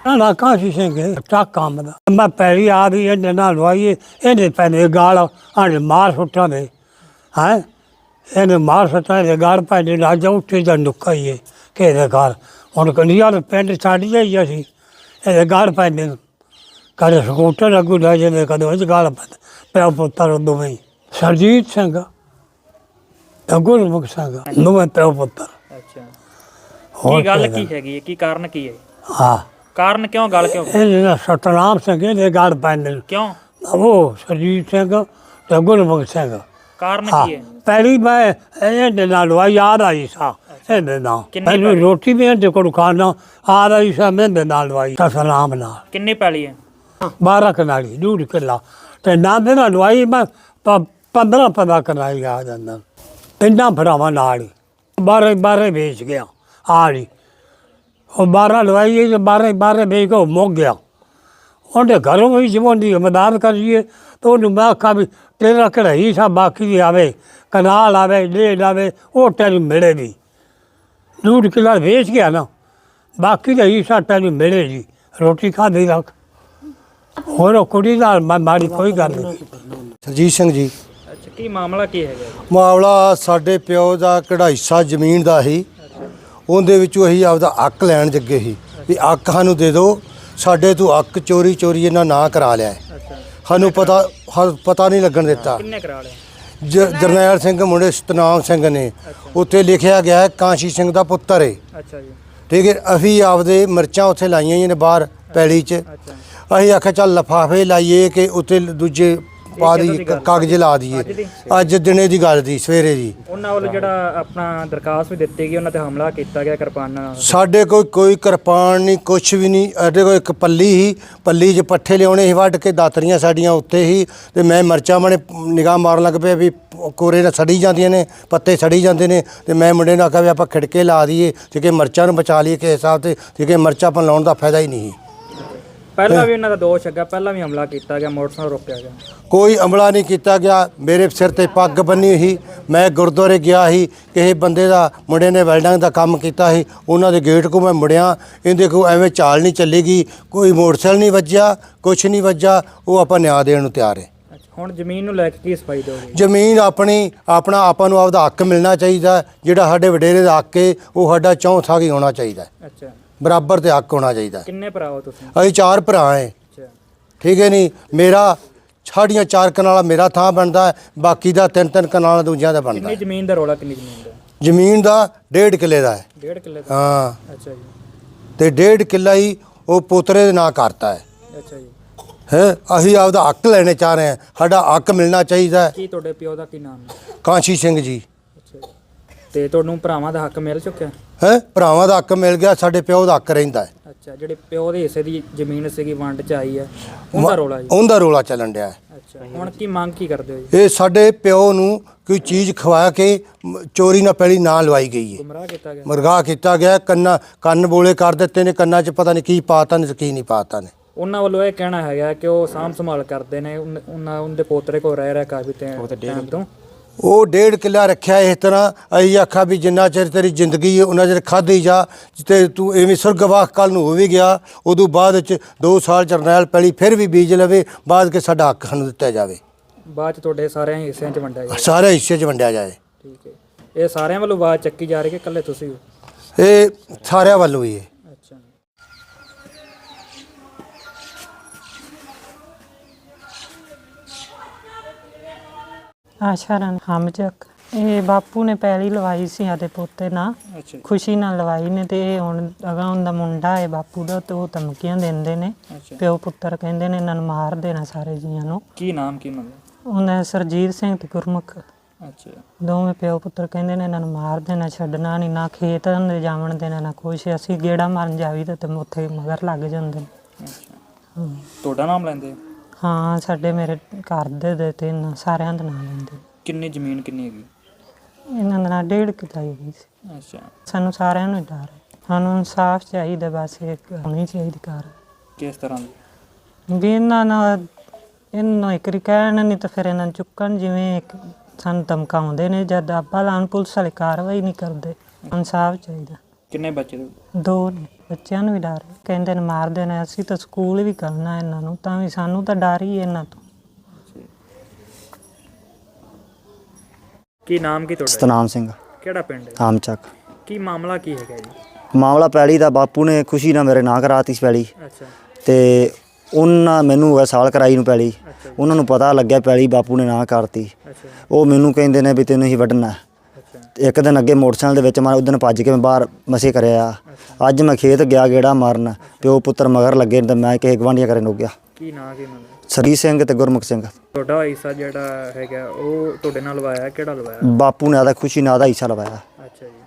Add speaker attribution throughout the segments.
Speaker 1: ਨਾ ਕਾਸ਼ੀ ਸਿੰਘ ਟੱਕ ਕੰਮ ਦਾ ਮੈਂ ਪੈਰੀ ਆ ਵੀ ਇਹਨੇ ਨਾਲ ਲਵਾਈਏ ਇਹਨੇ ਪੈਨੇ ਗਾਲ ਆਣੇ ਮਾਰ ਸੁੱਟਾਂ ਦੇ ਹੈ ਇਹਨੇ ਮਾਰ ਸੁੱਟਾਂ ਦੇ ਗਾਲ ਪੈਨੇ ਨਾਲ ਜਾ ਉੱਠੇ ਜਾਂ ਨੁੱਕਾ ਹੀ ਕਿਹਦੇ ਘਰ ਹੁਣ ਕੰਡੀਆਂ ਪਿੰਡ ਛੱਡ ਜਾਈ ਅਸੀਂ ਇਹਦੇ ਗਾਲ ਪੈਨੇ ਕਦੇ ਸਕੂਟਰ ਅੱਗੂ ਲੈ ਜਾਂਦੇ ਕਦੇ ਉਹ 'ਚ ਗਾਲ ਪੈਂਦੇ ਪਿਓ ਪੁੱਤਰ ਦੋਵੇਂ ਸਰਜੀਤ ਸਿੰਘ ਗੁਰਮੁਖ ਸਿੰਘ ਦੋਵੇਂ ਪਿਓ ਪੁੱਤਰ।
Speaker 2: ਅੱਛਾ ਕੀ ਗੱਲ ਕੀ ਹੈਗੀ ਕੀ ਕਾਰਨ ਕੀ ਹੈ?
Speaker 1: ਹਾਂ
Speaker 2: ਕਾਰਨ ਕਿਉਂ ਗੱਲ ਕਿਉਂ?
Speaker 1: ਇਹ ਸਤਨਾਮ ਸਿੰਘ ਦੇ ਗਾਲ ਪੈਂਦੇ
Speaker 2: ਕਿਉਂ?
Speaker 1: ਉਹ ਸਰਜੀਤ ਸਿੰਘ ਤੇ ਗੁਰਮੁਖ ਸਿੰਘ।
Speaker 2: ਕਾਰਨ ਕੀ ਹੈ?
Speaker 1: ਪਹਿਲੀ ਮੈਂ ਇਹਦੇ ਨਾਲ ਲਵਾਈ ਯਾਦ ਆਈ ਸਾ ਇਹਦੇ ਨਾਲ ਮੈਨੂੰ ਰੋਟੀ ਵੀ ਇਹਦੇ ਕੋਲ ਖਾਣਾ ਆ ਰਹੀ ਸਾ ਮੇਰੇ ਨਾਲ ਲਵਾਈ ਸਤਨਾਮ ਨਾਲ।
Speaker 2: ਕਿੰਨੀ ਪੈਲੀ ਹੈ?
Speaker 1: 12 ਕਨਾਲੀ 2 ਕਿੱਲਾ ਤੇ ਨਾ ਦੇ ਨਾਲ ਲਵਾਈ ਮੈਂ 15 ਕਨਾਲੀ ਆ ਜਾਂਦਾ ਤਿੰਨਾਂ ਭਰਾਵਾਂ ਨਾਲ ਹੀ 12 ਵੇਚ ਗਿਆ ਆ ਜੀ ਉਹ 12 ਲਵਾਈ ਜੇ 12 ਵੇਚ ਕੇ ਮੁੱਕ ਗਿਆ ਉਹਦੇ ਘਰੋਂ ਵੀ ਜਿਵੇਂ ਦੀ ਮਦਦ ਕਰੀਏ ਤਾਂ ਉਹਨੂੰ ਮੈਂ ਆਖਾਂ ਵੀ ਤੇਰਾ ਕਿਹੜਾ ਹੀ ਸਾ ਬਾਕੀ ਦੀ ਆਵੇ ਕਨਾਲ ਆਵੇ ਡੇਢ ਆਵੇ ਉਹ ਤੈਨੂੰ ਮਿਲੇ ਵੀ 2 ਕਿੱਲਾ ਵੇਚ ਗਿਆ ਨਾ ਬਾਕੀ ਦਾ ਹੀ ਸਾ ਤੈਨੂੰ ਮਿਲੇ ਜੀ ਰੋਟੀ ਖਾਧੀ ਰੱਖ ਹੋਰ ਉਹ ਕੁੜੀ ਨਾਲ ਮਾੜੀ ਕੋਈ ਗੱਲ ਨਹੀਂ।
Speaker 3: ਸਰਜੀਤ ਸਿੰਘ ਜੀ।
Speaker 2: ਅੱਛਾ ਕੀ ਮਾਮਲਾ ਕੀ ਹੈਗਾ?
Speaker 3: ਮਾਮਲਾ ਸਾਡੇ ਪਿਓ ਦਾ ਕਿਹੜਾ ਹਿੱਸਾ ਜ਼ਮੀਨ ਦਾ ਸੀ ਉਹਦੇ ਵਿੱਚੋਂ ਅਸੀਂ ਆਪਦਾ ਹੱਕ ਲੈਣ ਜੱਗੇ ਸੀ ਵੀ ਹੱਕ ਸਾਨੂੰ ਦੇ ਦਿਓ ਸਾਡੇ ਤੋਂ ਹੱਕ ਚੋਰੀ ਇਹਨਾਂ ਨਾ ਕਰਾ ਲਿਆ ਸਾਨੂੰ ਪਤਾ ਨਹੀਂ ਲੱਗਣ ਦਿੱਤਾ।
Speaker 2: ਕਿੰਨੇ ਕਰਾ ਲਿਆ?
Speaker 3: ਜਰਨੈਲ ਸਿੰਘ ਮੁੰਡੇ ਸਤਨਾਮ ਸਿੰਘ ਨੇ ਉੱਥੇ ਲਿਖਿਆ ਗਿਆ ਕਾਂਸ਼ੀ ਸਿੰਘ ਦਾ ਪੁੱਤਰ ਹੈ।
Speaker 2: ਅੱਛਾ ਜੀ
Speaker 3: ਠੀਕ ਹੈ ਅਸੀਂ ਆਪਦੇ ਮਿਰਚਾਂ ਉੱਥੇ ਲਾਈਆਂ ਨੇ ਬਾਹਰ ਪੈਲੀ 'ਚ ਅਸੀਂ ਆਖਿਆ ਚੱਲ ਲਿਫਾਫੇ ਲਾਈਏ ਕਿ ਉੱਥੇ ਦੂਜੇ ਪਾ ਦੀ ਕਾਗਜ਼ ਲਾ ਦਈਏ ਅੱਜ ਦਿਨੇ ਦੀ ਗੱਲ ਦੀ ਸਵੇਰੇ ਦੀ
Speaker 2: ਉਹਨਾਂ ਵੱਲ ਜਿਹੜਾ ਆਪਣਾ ਦਰਖਾਸਤ ਵੀ ਦਿੱਤੀ ਗਈ ਉਹਨਾਂ ਤੇ ਹਮਲਾ ਕੀਤਾ ਗਿਆ ਕਿਰਪਾਨਾਂ ਨਾਲ।
Speaker 3: ਸਾਡੇ ਕੋਈ ਕਿਰਪਾਨ ਨਹੀਂ ਕੁਛ ਵੀ ਨਹੀਂ ਸਾਡੇ ਕੋਲ ਇੱਕ ਪੱਲੀ ਸੀ ਪੱਲੀ 'ਚ ਪੱਠੇ ਲਿਆਉਣੇ ਸੀ ਵੱਢ ਕੇ ਦਾਤਰੀਆਂ ਸਾਡੀਆਂ ਉੱਤੇ ਸੀ ਤੇ ਮੈਂ ਮਿਰਚਾਂ ਮਾਣੇ ਨਿਗਾਹ ਮਾਰਨ ਲੱਗ ਪਿਆ ਵੀ ਕੋਰੇ ਨਾਲ ਸੜੀ ਜਾਂਦੀਆਂ ਨੇ ਪੱਤੇ ਸੜੀ ਜਾਂਦੇ ਨੇ ਤੇ ਮੈਂ ਮੁੰਡੇ ਨੂੰ ਆਖਿਆ ਵੀ ਆਪਾਂ ਖਿੜਕੇ ਲਾ ਦਈਏ ਤੇ ਕਿ ਮਿਰਚਾਂ ਨੂੰ ਬਚਾ ਲਈਏ ਕਿਸੇ ਹਿਸਾਬ ਤੇ ਕਿ ਮਿਰਚਾਂ ਆਪਾਂ ਲਾਉਣ ਦਾ ਫਾਇਦਾ ਹੀ ਨਹੀਂ।
Speaker 2: ਪਹਿਲਾਂ ਵੀ ਇਹਨਾਂ ਦਾ ਦੋਸ਼ ਹੈਗਾ ਪਹਿਲਾਂ ਵੀ ਹਮਲਾ ਕੀਤਾ ਗਿਆ ਮੋਟਰਸਾਈਕਲ ਰੋਕਿਆ ਗਿਆ
Speaker 3: ਕੋਈ ਹਮਲਾ ਨਹੀਂ ਕੀਤਾ ਗਿਆ। ਮੇਰੇ ਸਿਰ ਤੇ ਪੱਗ ਬੰਨੀ ਹੋਈ ਮੈਂ ਗੁਰਦੁਆਰੇ ਗਿਆ ਸੀ ਕਿਸੇ ਬੰਦੇ ਦਾ ਮੁੰਡੇ ਨੇ ਵੈਲਡਿੰਗ ਦਾ ਕੰਮ ਕੀਤਾ ਸੀ ਉਹਨਾਂ ਦੇ ਗੇਟ ਕੋ ਮੈਂ ਮੁੜਿਆ ਇਹਦੇ ਕੋ ਐਵੇਂ ਚਾਲ ਨਹੀਂ ਚੱਲੇਗੀ ਕੋਈ ਮੋਟਰਸਾਈਕਲ ਨਹੀਂ ਵੱਜਿਆ ਕੁਛ ਨਹੀਂ ਵੱਜਾ ਉਹ ਆਪਾਂ ਨਿਆਂ ਦੇਣ ਨੂੰ ਤਿਆਰ ਹੈ।
Speaker 2: ਹੁਣ ਜ਼ਮੀਨ ਨੂੰ ਲੈ ਕੇ ਕੀ ਸਫਾਈ ਦੋਗੇ?
Speaker 3: ਜ਼ਮੀਨ ਆਪਣਾ ਆਪਾਂ ਨੂੰ ਆਪਦਾ ਹੱਕ ਮਿਲਣਾ ਚਾਹੀਦਾ ਜਿਹੜਾ ਸਾਡੇ ਵਡੇਰੇ ਦਾ ਹੱਕ ਹੈ ਉਹ ਸਾਡਾ ਚੌਥਾ ਹੀ ਹੋਣਾ ਚਾਹੀਦਾ।
Speaker 2: ਅੱਛਾ
Speaker 3: ਬਰਾਬਰ ਤੇ ਹੱਕ ਹੋਣਾ ਚਾਹੀਦਾ।
Speaker 2: ਕਿੰਨੇ ਭਰਾ ਹੋ ਤੁਸੀਂ?
Speaker 3: ਅਸੀਂ 4 ਭਰਾ ਹਾਂ। ਠੀਕ ਹੈ ਨਹੀਂ ਮੇਰਾ ਸਾਡੀਆਂ 4 ਕਨਾਲਾਂ ਮੇਰਾ ਥਾਂ ਬਣਦਾ ਬਾਕੀ ਦਾ 3 ਕਨਾਲਾਂ ਦੂਜਿਆਂ ਦਾ ਬਣਦਾ।
Speaker 2: ਕਿੰਨੀ ਜ਼ਮੀਨ ਦਾ ਰੌਲਾ? ਕਿੰਨੀ ਜ਼ਮੀਨ ਦਾ?
Speaker 3: ਜ਼ਮੀਨ ਦਾ 1.5 ਕਿੱਲੇ ਦਾ ਹੈ।
Speaker 2: 1.5 ਕਿੱਲੇ ਦਾ?
Speaker 3: ਹਾਂ।
Speaker 2: ਅੱਛਾ ਜੀ
Speaker 3: ਤੇ 1.5 ਕਿੱਲਾ ਹੀ ਉਹ ਪੋਤਰੇ ਦੇ ਨਾਂ ਕਰਤਾ ਹੈ।
Speaker 2: ਅੱਛਾ ਜੀ
Speaker 3: ਹੈ ਅਸੀਂ ਆਪਦਾ ਹੱਕ ਲੈਣੇ ਚਾਹ ਰਹੇ ਹਾਂ ਸਾਡਾ ਹੱਕ ਮਿਲਣਾ ਚਾਹੀਦਾ।
Speaker 2: ਕੀ ਤੁਹਾਡੇ ਪਿਓ ਦਾ ਕੀ ਨਾਮ ਹੈ?
Speaker 3: ਕਾਂਸ਼ੀ ਸਿੰਘ ਜੀ।
Speaker 2: ਅੱਛਾ ਜੀ ਤੇ ਤੁਹਾਨੂੰ ਭਰਾਵਾਂ ਦਾ ਹੱਕ ਮਿਲ ਚੁੱਕਿਆ?
Speaker 3: ਹੈ ਭਰਾਵਾਂ ਦਾ ਹੱਕ ਮਿਲ ਗਿਆ ਸਾਡੇ ਪਿਓ ਦਾ ਹੱਕ ਰਹਿੰਦਾ ਹੈ।
Speaker 2: ਅੱਛਾ ਜਿਹੜੇ ਪਿਓ ਦੇ ਹਿੱਸੇ ਦੀ ਜ਼ਮੀਨ ਸੀਗੀ ਵੰਡ ਚ ਆਈ ਹੈ ਉਹਦਾ ਰੌਲਾ ਜੀ?
Speaker 3: ਉਹਦਾ ਰੌਲਾ ਚੱਲਣ ਡਿਆ।
Speaker 2: ਅੱਛਾ ਹੁਣ ਕੀ ਮੰਗ ਕੀ ਕਰਦੇ ਹੋ ਜੀ?
Speaker 3: ਇਹ ਸਾਡੇ ਪਿਓ ਨੂੰ ਕੋਈ ਚੀਜ਼ ਖਵਾ ਕੇ ਚੋਰੀ ਨਾਲ ਪਹਿਲੀ ਨਾ ਲਵਾਈ ਗਈ ਹੈ। ਗੁੰਮਰਾਹ ਕੀਤਾ ਗਿਆ ਕੰਨ ਬੋਲੇ ਕਰ ਦਿੱਤੇ ਨੇ ਕੰਨਾਂ 'ਚ ਪਤਾ ਨਹੀਂ ਕੀ ਪਾਤਾ ਨੇ ਕੀ ਨਹੀਂ ਪਾਤਾ ਨੇ।
Speaker 2: ਉਹਨਾਂ ਵੱਲੋਂ ਇਹ ਕਹਿਣਾ ਹੈਗਾ ਕਿ ਉਹ ਸਾਂਭ ਸੰਭਾਲ ਕਰਦੇ ਨੇ ਉਹਦੇ ਪੋਤਰੇ ਕੋਲ ਰਹਿ ਰਿਹਾ ਕਾਫੀ ਟਾਈਮ ਤੋਂ
Speaker 3: ਉਹ 1.5 ਕਿੱਲਾ ਰੱਖਿਆ ਇਸ ਤਰ੍ਹਾਂ ਅਸੀਂ ਆਖਿਆ ਵੀ ਜਿੰਨਾ ਚਿਰ ਤੇਰੀ ਜ਼ਿੰਦਗੀ ਹੈ ਉਹਨਾਂ ਚਿਰ ਖਾਧੀ ਜਾ ਤੇ ਤੂੰ ਐਵੇਂ ਸੁਰਗਵਾਸ ਕੱਲ ਨੂੰ ਹੋ ਵੀ ਗਿਆ ਉਦੋਂ ਬਾਅਦ ਵਿੱਚ 2 ਸਾਲ ਜਰਨੈਲ ਪੈਲੀ ਫਿਰ ਵੀ ਬੀਜ ਲਵੇ ਬਾਅਦ ਕਿ ਸਾਡਾ ਹੱਕ ਸਾਨੂੰ ਦਿੱਤਾ ਜਾਵੇ ਬਾਅਦ 'ਚ ਤੁਹਾਡੇ ਸਾਰਿਆਂ ਹਿੱਸਿਆਂ 'ਚ ਵੰਡਿਆ ਜਾਵੇ ਸਾਰੇ ਹਿੱਸੇ 'ਚ ਵੰਡਿਆ ਜਾਏ। ਠੀਕ ਹੈ ਇਹ ਸਾਰਿਆਂ ਵੱਲੋਂ ਆਵਾਜ਼ ਚੱਕੀ ਜਾ ਰਹੀ ਕਿ ਇਕੱਲੇ ਤੁਸੀਂ ਹੋ? ਇਹ ਸਾਰਿਆਂ ਵੱਲੋਂ ਹੀ ਹੈ।
Speaker 4: ਆਸ਼ਾਰਨ ਹਮਜਕ ਇਹ ਬਾਪੂ ਨੇ ਪਹਿਲੀ ਲਵਾਈ ਸੀ ਆਦੇ ਪੋਤੇ ਨਾਲ ਖੁਸ਼ੀ ਨਾਲ ਲਵਾਈ ਨੇ ਤੇ ਇਹ ਹੁਣ ਅਗਾ ਹੁੰਦਾ ਮੁੰਡਾ ਹੈ ਬਾਪੂ ਦਾ ਤੇ ਉਹ ਧਮਕੀਆਂ ਦਿੰਦੇ ਨੇ ਪਿਓ ਪੁੱਤਰ ਕਹਿੰਦੇ ਨੇ ਇਹਨਾਂ ਨੂੰ ਮਾਰ ਦੇਣਾ ਸਾਰੇ ਜੀਆਂ ਨੂੰ।
Speaker 2: ਕੀ ਨਾਮ ਕੀ
Speaker 4: ਉਹਨਾਂ ਸਰਜੀਤ ਸਿੰਘ ਤੇ ਗੁਰਮੁਖ।
Speaker 2: ਅੱਛਾ
Speaker 4: ਦੋਵੇਂ ਪਿਓ ਪੁੱਤਰ ਕਹਿੰਦੇ ਨੇ ਇਹਨਾਂ ਨੂੰ ਮਾਰ ਦੇਣਾ ਛੱਡਣਾ ਨਹੀਂ ਨਾ ਖੇਤ ਦੇ ਜਾਵਣ ਦੇਣਾ ਨਾ ਕੁਛ ਅਸੀਂ ਗੇੜਾ ਮਾਰਨ ਜਾਵੀ ਤੇ ਉੱਥੇ ਮਗਰ ਲੱਗ ਜਾਂਦੇ ਨੇ।
Speaker 2: ਅੱਛਾ ਤੁਹਾਡਾ ਨਾਮ ਲੈਂਦੇ?
Speaker 4: ਹਾਂ ਸਾਡੇ ਮੇਰੇ ਘਰ ਦੇ ਤੇ ਸਾਰਿਆਂ ਦਾ ਨਾਮ ਲੈਂਦੇ।
Speaker 2: ਕਿੰਨੀ ਜ਼ਮੀਨ ਕਿੰਨੀ ਹੈਗੀ?
Speaker 4: ਇਹਨਾਂ ਦਾ 1.5 ਕਿੱਲਾ ਹੈਗੀ ਸੀ।
Speaker 2: ਅੱਛਾ
Speaker 4: ਸਾਨੂੰ ਸਾਰਿਆਂ ਨੂੰ ਡਰ ਹੈ ਸਾਨੂੰ ਇਨਸਾਫ ਚਾਹੀਦਾ ਬਸ ਇੱਕ ਹੋਣੀ ਚਾਹੀਦੀ ਕਾਰ।
Speaker 2: ਕਿਸ ਤਰ੍ਹਾਂ ਦੀ?
Speaker 4: ਵੀ ਇਹਨਾਂ ਨਾਲ ਇਹਨੂੰ ਇੱਕ ਵਾਰੀ ਕਹਿਣ ਨਹੀਂ ਤਾਂ ਫਿਰ ਇਹਨਾਂ ਨੂੰ ਚੁੱਕਣ ਜਿਵੇਂ ਇੱਕ ਸਾਨੂੰ ਧਮਕਾਉਂਦੇ ਨੇ ਜਦ ਆਪਾਂ ਲਾਉਣ ਪੁਲਿਸ ਵਾਲੇ ਕਾਰਵਾਈ ਨਹੀਂ ਕਰਦੇ। ਇਨਸਾਫ ਚਾਹੀਦਾ।
Speaker 2: ਕਿੰਨੇ ਬੱਚੇ ਨੇ?
Speaker 4: 2 ਨੇ। ਬੱਚਿਆਂ ਨੂੰ ਵੀ ਡਰ ਹੈ। ਕਹਿੰਦੇ ਨੇ ਮਾਰਦੇ ਨੇ, ਅਸੀਂ ਤਾਂ ਸਕੂਲ ਵੀ ਕਰਨਾ ਇਹਨਾਂ ਨੂੰ, ਤਾਂ ਵੀ ਸਾਨੂੰ ਤਾਂ ਡਰ ਹੀ ਹੈ ਇਹਨਾਂ ਤੋਂ।
Speaker 2: ਕੀ ਨਾਮ ਕੀ ਤੁਹਾਡਾ?
Speaker 5: ਸਤਨਾਮ ਸਿੰਘ
Speaker 2: ਕਿਹੜਾ ਪਿੰਡ ਹੈ?
Speaker 5: ਆਮਚੱਕ।
Speaker 2: ਕੀ ਮਾਮਲਾ ਕੀ ਹੈਗਾ ਜੀ?
Speaker 5: ਮਾਮਲਾ ਪੈਲੀ ਦਾ ਬਾਪੂ ਨੇ ਖੁਸ਼ੀ ਨਾਲ ਮੇਰੇ ਨਾਂ ਕਰਾਤੀ ਸੀ ਪੈਲੀ,
Speaker 2: ਅੱਛਾ
Speaker 5: ਤੇ ਉਹਨਾਂ ਮੈਨੂੰ ਹੋਇਆ ਸਾਲ ਕਰਾਈ ਨੂੰ ਪੈਲੀ।
Speaker 2: ਅੱਛਾ
Speaker 5: ਉਹਨਾਂ ਨੂੰ ਪਤਾ ਲੱਗਿਆ ਪੈਲੀ ਬਾਪੂ ਨੇ ਨਾਂ ਕਰਤੀ।
Speaker 2: ਅੱਛਾ
Speaker 5: ਉਹ ਮੈਨੂੰ ਕਹਿੰਦੇ ਨੇ ਵੀ ਤੈਨੂੰ ਹੀ ਵੱਢਣਾ।
Speaker 2: ਅੱਛਾ
Speaker 5: ਤੇ ਇੱਕ ਦਿਨ ਅੱਗੇ ਮੋਟਰਸਾਈਕਲ ਦੇ ਵਿੱਚ ਮੈਂ ਉਦੋਂ ਭੱਜ ਕੇ ਮੈਂ ਬਾਹਰ ਮਸੇ ਕਰਿਆ। ਅੱਜ ਮੈਂ ਖੇਤ ਗਿਆ ਗੇੜਾ ਮਾਰਨ, ਪਿਓ ਪੁੱਤਰ ਮਗਰ ਲੱਗੇ ਤੇ ਮੈਂ ਕਿਸੇ ਗਵਾਂਢੀਆਂ ਘਰੇ ਨੁੱਕ ਗਿਆ।
Speaker 2: ਕੀ ਨਾਂ ਕੀ ਨਾਮ?
Speaker 5: ਸਰਜੀਤ ਸਿੰਘ ਤੇ ਗੁਰਮੁਖ ਸਿੰਘ।
Speaker 2: ਤੁਹਾਡਾ ਹਿੱਸਾ ਜਿਹੜਾ ਹੈਗਾ ਉਹ ਤੁਹਾਡੇ ਨਾਲ ਲਵਾਇਆ, ਕਿਹੜਾ ਲਵਾਇਆ?
Speaker 5: ਬਾਪੂ ਨੇ ਆਦਾ ਖੁਸ਼ੀ ਨਾਲ ਦਾ ਹਿੱਸਾ ਲਵਾਇਆ।
Speaker 2: ਅੱਛਾ ਜੀ।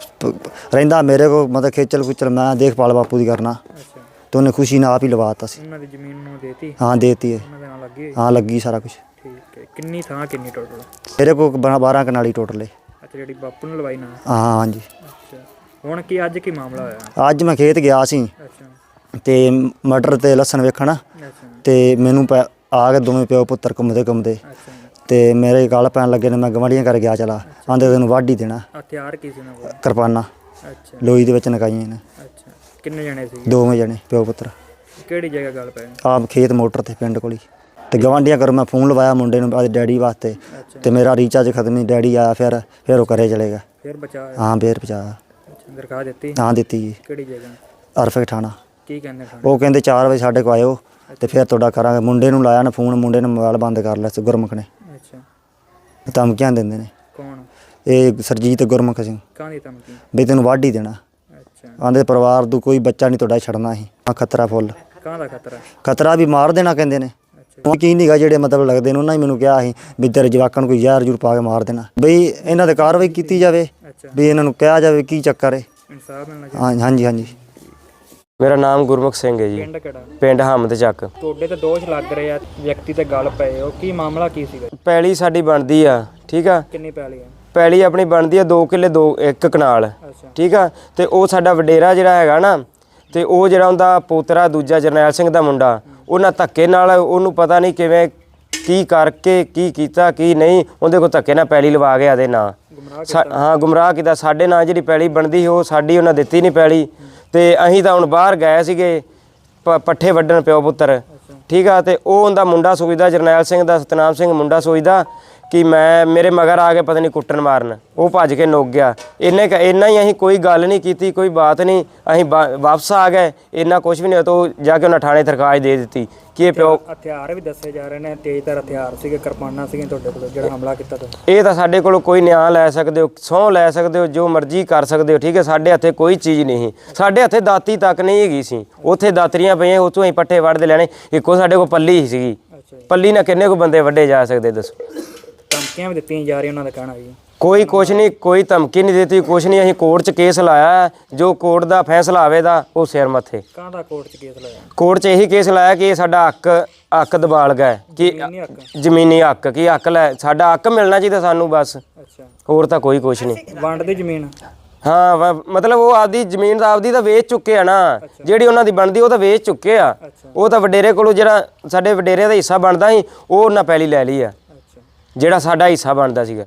Speaker 5: ਰਹਿੰਦਾ ਮੇਰੇ ਕੋਲ, ਮਤਲਬ ਖੇਚਲ ਕੁਚਲ ਮੈਂ ਦੇਖਭਾਲ ਬਾਪੂ ਦੀ ਕਰਨਾ,
Speaker 2: ਅੱਛਾ,
Speaker 5: ਤੇ ਉਹਨੇ ਖੁਸ਼ੀ ਨਾਲ ਆਪ ਹੀ ਲਵਾਤਾ ਸੀ।
Speaker 2: ਉਹਨਾਂ ਦੀ ਜ਼ਮੀਨ ਨੂੰ ਦੇਤੀ?
Speaker 5: ਹਾਂ ਦੇਤੀ ਹੈ,
Speaker 2: ਉਹਨਾਂ ਦੇ ਨਾਲ ਲੱਗੀ ਹੋਈ?
Speaker 5: ਹਾਂ ਲੱਗੀ ਸਾਰਾ ਕੁਝ।
Speaker 2: ਠੀਕ ਹੈ। ਕਿੰਨੀ ਥਾਂ ਕਿੰਨੀ ਟੋਟਲ?
Speaker 5: ਮੇਰੇ ਕੋਲ 12 ਕਨਾਲੀ ਟੋਟਲ ਹੈ।
Speaker 2: ਅੱਛਾ, ਜਿਹੜੀ ਬਾਪੂ ਨੇ ਲਵਾਈ ਨਾ?
Speaker 5: ਹਾਂ ਹਾਂਜੀ।
Speaker 2: ਅੱਛਾ, ਹੁਣ ਕੀ ਅੱਜ ਕੀ ਮਾਮਲਾ ਹੋਇਆ?
Speaker 5: ਅੱਜ ਮੈਂ ਖੇਤ ਗਿਆ ਸੀ
Speaker 2: ਅੱਛਾ
Speaker 5: ਤੇ ਮਟਰ ਤੇ ਲਸਣ ਵੇਖਣਾ,
Speaker 2: ਅੱਛਾ
Speaker 5: ਤੇ ਮੈਨੂੰ ਆ ਕੇ ਦੋਵੇਂ ਪਿਓ ਪੁੱਤਰ ਘੁੰਮਦੇ
Speaker 2: ਅੱਛਾ।
Speaker 5: ਤੇ ਮੇਰੇ ਗਲ ਪੈਣ ਲੱਗੇ ਨੇ। ਮੈਂ ਗਵਾਂਢੀਆਂ ਕਰ ਗਿਆ, ਚਲਾ ਆਂਦੇ ਤੈਨੂੰ ਵਾਢ ਹੀ ਦੇਣਾ।
Speaker 2: ਹਥਿਆਰ ਕੀ ਸੀ ਉਹਨਾਂ ਕੋਲ?
Speaker 5: ਕਿਰਪਾਨਾਂ
Speaker 2: ਅੱਛਾ
Speaker 5: ਲੋਈ ਦੇ ਵਿੱਚ ਨਕਾਈਆਂ ਨੇ।
Speaker 2: ਅੱਛਾ। ਕਿੰਨੇ ਜਣੇ ਸੀ?
Speaker 5: ਦੋਵੇਂ ਜਣੇ ਪਿਓ ਪੁੱਤਰ।
Speaker 2: ਕਿਹੜੀ ਜਗ੍ਹਾ ਗੱਲ ਪਏ?
Speaker 5: ਆਪ ਖੇਤ ਮੋਟਰ ਤੇ ਪਿੰਡ ਕੋਲ ਹੀ। ਤੇ ਗਵਾਂਢੀਆਂ ਕਰ ਮੈਂ ਫੋਨ ਲਵਾਇਆ ਮੁੰਡੇ ਨੂੰ ਆਪਣੇ ਡੈਡੀ ਵਾਸਤੇ,
Speaker 2: ਅੱਛਾ।
Speaker 5: ਤੇ ਮੇਰਾ ਰੀਚਾਰਜ ਖਤਮ ਹੀ। ਡੈਡੀ ਆਇਆ ਫਿਰ ਉਹ ਘਰੇ ਚਲੇ ਗਿਆ।
Speaker 2: ਫਿਰ ਬਚਾ?
Speaker 5: ਹਾਂ ਫੇਰ ਪਹੁੰਚਾਇਆ।
Speaker 2: ਅੱਛਾ, ਦਰਖਾਸਤ ਦਿੱਤੀ?
Speaker 5: ਹਾਂ ਦਿੱਤੀ ਜੀ,
Speaker 2: ਕਿਹੜੀ ਜਗ੍ਹਾ?
Speaker 5: ਅਰਫਕ ਥਾਣਾ।
Speaker 2: ਕੀ ਕਹਿੰਦੇ ਥਾਣੇ?
Speaker 5: ਉਹ ਕਹਿੰਦੇ 4 ਵਜੇ ਸਾਡੇ ਕੋਲ ਆਇਓ ਤੇ ਫਿਰ ਤੁਹਾਡਾ ਕਰਾਂਗੇ। ਮੁੰਡੇ ਨੂੰ ਲਾਇਆ ਨਾ ਫੋਨ, ਮੁੰਡੇ ਨੇ ਮੋਬਾਈਲ ਬੰਦ ਕਰ ਲਿਆ ਸੀ ਗੁਰਮੁਖ ਨੇ।
Speaker 2: ਅੱਛਾ।
Speaker 5: ਧਮਕੀਆਂ ਦਿੰਦੇ ਨੇ
Speaker 2: ਕੌਣ?
Speaker 5: ਇਹ ਸਰਜੀਤ ਗੁਰਮੁਖ ਸਿੰਘ,
Speaker 2: ਕਾਹਦੀ ਧਮਕੀ?
Speaker 5: ਵੀ ਤੈਨੂੰ ਵਾਢ ਹੀ ਦੇਣਾ।
Speaker 2: ਅੱਛਾ।
Speaker 5: ਆਂਦੇ ਪਰਿਵਾਰ ਤੋਂ ਕੋਈ ਬੱਚਾ ਨਹੀਂ ਤੁਹਾਡਾ ਛੱਡਣਾ ਸੀ। ਖਤਰਾ ਫੁੱਲ,
Speaker 2: ਕਾਹਦਾ ਖਤਰਾ?
Speaker 5: ਖਤਰਾ ਵੀ ਮਾਰ ਦੇਣਾ ਕਹਿੰਦੇ ਨੇ।
Speaker 2: ਅੱਛਾ।
Speaker 5: ਉਹ ਕੀ ਨਹੀਂਗਾ ਜਿਹੜੇ ਮਤਲਬ ਲੱਗਦੇ ਨੇ, ਉਹਨਾਂ ਹੀ ਮੈਨੂੰ ਕਿਹਾ ਸੀ ਵੀ ਤੇਰੇ ਜਵਾਕਾਂ ਨੂੰ ਕੋਈ ਜ਼ਹਿਰ ਜੂਰ ਪਾ ਕੇ ਮਾਰ ਦੇਣਾ, ਬਈ ਇਹਨਾਂ ਤੇ ਕਾਰਵਾਈ ਕੀਤੀ ਜਾਵੇ,
Speaker 2: ਅੱਛਾ।
Speaker 5: ਵੀ ਇਹਨਾਂ ਨੂੰ ਕਿਹਾ ਜਾਵੇ ਕੀ ਚੱਕਰ ਹੈ।
Speaker 2: ਇਨਸਾਫ ਮਿਲਣਾ ਚਾਹੀਦਾ।
Speaker 5: ਹਾਂ ਹਾਂਜੀ ਹਾਂਜੀ।
Speaker 6: ਮੇਰਾ ਨਾਮ ਗੁਰਮੁਖ ਸਿੰਘ ਹੈ ਜੀ,
Speaker 2: ਪਿੰਡ ਕਿਹੜਾ?
Speaker 6: ਪਿੰਡ ਹਮਦ ਚੱਕ।
Speaker 2: ਤੁਹਾਡੇ ਤੇ ਦੋਸ਼ ਲੱਗ ਰਹੇ ਆ, ਵਿਅਕਤੀ ਤੇ ਗੱਲ ਪਏ ਹੋ, ਕੀ ਮਾਮਲਾ ਕੀ ਸੀਗਾ?
Speaker 6: ਪੈਲੀ ਸਾਡੀ ਬਣਦੀ ਆ, ਠੀਕ ਆ।
Speaker 2: ਕਿੰਨੀ ਪੈਲੀ ਆ?
Speaker 6: ਪੈਲੀ ਆਪਣੀ ਬਣਦੀ ਆ 2 ਕਿੱਲੇ 1 ਕਨਾਲ,
Speaker 2: ਅੱਛਾ
Speaker 6: ਠੀਕ ਆ। ਤੇ ਉਹ ਸਾਡਾ ਵਡੇਰਾ ਜਿਹੜਾ ਹੈਗਾ ਨਾ, ਤੇ ਉਹ ਜਿਹੜਾ ਉਹਦਾ ਪੋਤਰਾ ਦੂਜਾ ਜਰਨੈਲ ਸਿੰਘ ਦਾ ਮੁੰਡਾ, ਉਹਨਾਂ ਧੱਕੇ ਨਾਲ ਉਹਨੂੰ ਪਤਾ ਨਹੀਂ ਕਿਵੇਂ ਕੀ ਕਰਕੇ ਕੀ ਕੀਤਾ ਕੀ ਨਹੀਂ, ਉਹਦੇ ਕੋਲ ਧੱਕੇ ਨਾਲ ਪੈਲੀ ਲਵਾ ਗਿਆ ਦੇ ਨਾਂ। ਹਾਂ ਗੁੰਮਰਾਹ ਕੀਤਾ। ਸਾਡੇ ਨਾਂ ਜਿਹੜੀ ਪੈਲੀ ਬਣਦੀ ਸੀ ਉਹ ਸਾਡੀ ਉਹਨਾਂ ਦਿੱਤੀ ਨਹੀਂ ਪੈਲੀ। ਤੇ ਅਸੀਂ ਤਾਂ ਹੁਣ ਬਾਹਰ ਗਏ ਸੀਗੇ ਪੱਠੇ ਵੱਢਣ ਪਿਓ ਪੁੱਤਰ, ਠੀਕ ਆ। ਤੇ ਉਹ ਉਹਦਾ ਮੁੰਡਾ ਸੋਚਦਾ, ਜਰਨੈਲ ਸਿੰਘ ਦਾ, ਸਤਨਾਮ ਸਿੰਘ ਮੁੰਡਾ ਸੋਚਦਾ ਕਿ ਮੇਰੇ ਮਗਰ ਆ ਕੇ ਪਤਾ ਨਹੀਂ ਕੁੱਟਣ ਮਾਰਨ, ਉਹ ਭੱਜ ਕੇ ਨੁੱਕ ਗਿਆ। ਇੰਨਾ ਹੀ, ਅਸੀਂ ਕੋਈ ਗੱਲ ਨਹੀਂ ਕੀਤੀ, ਕੋਈ ਬਾਤ ਨਹੀਂ, ਅਸੀਂ ਵਾਪਸ ਆ ਗਏ। ਇੰਨਾ ਕੁਝ ਵੀ ਨਹੀਂ ਤਾਂ ਉਹ ਜਾ ਕੇ ਉਹਨਾਂ ਥਾਣੇ ਦਰਖਾਸਤ ਦੇ ਦਿੱਤੀ ਕਿ ਇਹ ਪਿਓ।
Speaker 2: ਹਥਿਆਰ ਵੀ ਦੱਸੇ ਜਾ ਰਹੇ ਨੇ, ਤੇਜ਼ਧਾਰ ਹਥਿਆਰ ਸੀਗੇ, ਕਿਰਪਾਨਾਂ ਸੀਗੀਆਂ ਤੁਹਾਡੇ ਕੋਲ ਜਿਹੜਾ ਹਮਲਾ ਕੀਤਾ ਤੁਸੀਂ?
Speaker 6: ਇਹ ਤਾਂ ਸਾਡੇ ਕੋਲੋਂ ਕੋਈ ਨਿਆਂ ਲੈ ਸਕਦੇ ਹੋ, ਸਹੁੰ ਲੈ ਸਕਦੇ ਹੋ, ਜੋ ਮਰਜ਼ੀ ਕਰ ਸਕਦੇ ਹੋ, ਠੀਕ ਹੈ। ਸਾਡੇ ਹੱਥੇ ਕੋਈ ਚੀਜ਼ ਨਹੀਂ, ਸਾਡੇ ਹੱਥੇ ਦਾਤੀ ਤੱਕ ਨਹੀਂ ਹੈਗੀ ਸੀ। ਉੱਥੇ ਦਾਤਰੀਆਂ ਪਈਆਂ, ਉੱਥੋਂ ਅਸੀਂ ਪੱਠੇ ਵੱਢਦੇ ਲੈਣੇ। ਇੱਕੋ ਸਾਡੇ ਕੋਲ ਪੱਲੀ ਸੀਗੀ, ਪੱਲੀ ਨਾਲ ਕਿੰਨੇ ਕੁ ਬੰਦੇ ਵੱਢੇ ਜਾ ਸਕਦੇ ਦੱਸੋ?
Speaker 2: ਧਮਕੀਆਂ ਵੀ ਦਿੱਤੀਆਂ ਜਾ ਰਹੀਆਂ, ਉਹਨਾਂ ਦਾ ਕਹਿਣਾ ਜੀ।
Speaker 6: ਕੋਈ ਕੁਛ ਨਹੀਂ, ਕੋਈ ਧਮਕੀ ਨਹੀਂ ਦਿੱਤੀ, ਕੁਛ ਨਹੀਂ। ਅਸੀਂ ਕੋਰਟ 'ਚ ਕੇਸ ਲਾਇਆ, ਜੋ ਕੋਰਟ ਦਾ ਫੈਸਲਾ ਆਵੇਗਾ ਉਹ ਸਿਰ ਮੱਥੇ।
Speaker 2: ਕਾਹਦਾ ਕੋਰਟ 'ਚ ਕੇਸ ਲਾਇਆ?
Speaker 6: ਕੋਰਟ 'ਚ ਇਹੀ ਕੇਸ ਲਾਇਆ ਕਿ ਇਹ ਸਾਡਾ ਹੱਕ ਦਬਾਲ ਗਿਆ, ਕਿ ਜ਼ਮੀਨੀ ਹੱਕ, ਕੀ ਹੱਕ ਲੈ, ਸਾਡਾ ਹੱਕ ਮਿਲਣਾ ਚਾਹੀਦਾ ਸਾਨੂੰ ਬਸ,
Speaker 2: ਅੱਛਾ।
Speaker 6: ਹੋਰ ਤਾਂ ਕੋਈ ਕੁਛ ਨਹੀਂ।
Speaker 2: ਵੰਡ ਦੀ ਜ਼ਮੀਨ?
Speaker 6: ਹਾਂ ਮਤਲਬ ਉਹ ਆਪਦੀ ਜ਼ਮੀਨ ਦਾ ਆਪਦੀ ਤਾਂ ਵੇਚ ਚੁੱਕੇ ਆ ਨਾ, ਜਿਹੜੀ ਉਹਨਾਂ ਦੀ ਬਣਦੀ ਉਹ ਤਾਂ ਵੇਚ ਚੁੱਕੇ ਆ। ਉਹ ਤਾਂ ਵਡੇਰੇ ਕੋਲੋਂ ਜਿਹੜਾ ਸਾਡੇ ਵਡੇਰੇ ਦਾ ਹਿੱਸਾ ਬਣਦਾ ਸੀ ਉਹ ਉਹਨਾਂ ਪਹਿਲੀ ਲੈ ਲਈ ਆ, ਜਿਹੜਾ ਸਾਡਾ ਹਿੱਸਾ ਬਣਦਾ ਸੀਗਾ।